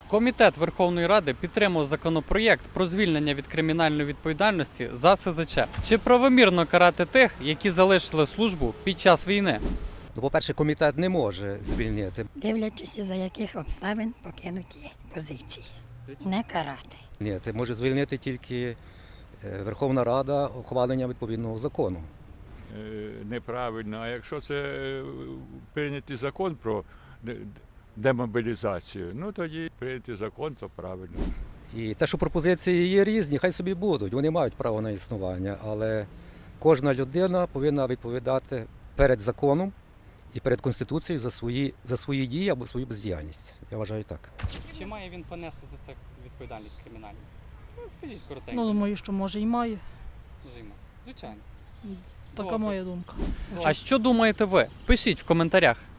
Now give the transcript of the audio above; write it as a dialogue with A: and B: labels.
A: Комітет Верховної Ради підтримав законопроєкт про звільнення від кримінальної відповідальності за СЗЧ. Чи правомірно карати тих, які залишили службу під час війни?
B: Ну, по-перше, комітет не може звільнити.
C: Дивлячись, за яких обставин покинуті позиції. Не карати.
B: Ні, це може звільнити тільки Верховна Рада ухвалення відповідного закону.
D: Неправильно. А якщо це прийнятий закон про демобілізацію, ну тоді прийнятий закон, то правильно.
B: І те, що пропозиції є різні, хай собі будуть, вони мають право на існування, але кожна людина повинна відповідати перед законом і перед Конституцією за свої дії або свою бездіяльність. Я вважаю так.
A: Чи має він понести за це відповідальність кримінальну? Ну, скажіть коротенько.
E: Ну, думаю, що може і має.
A: Звичайно.
E: Така
A: Добре.
E: моя думка.
A: А що думаєте ви? Пишіть в коментарях.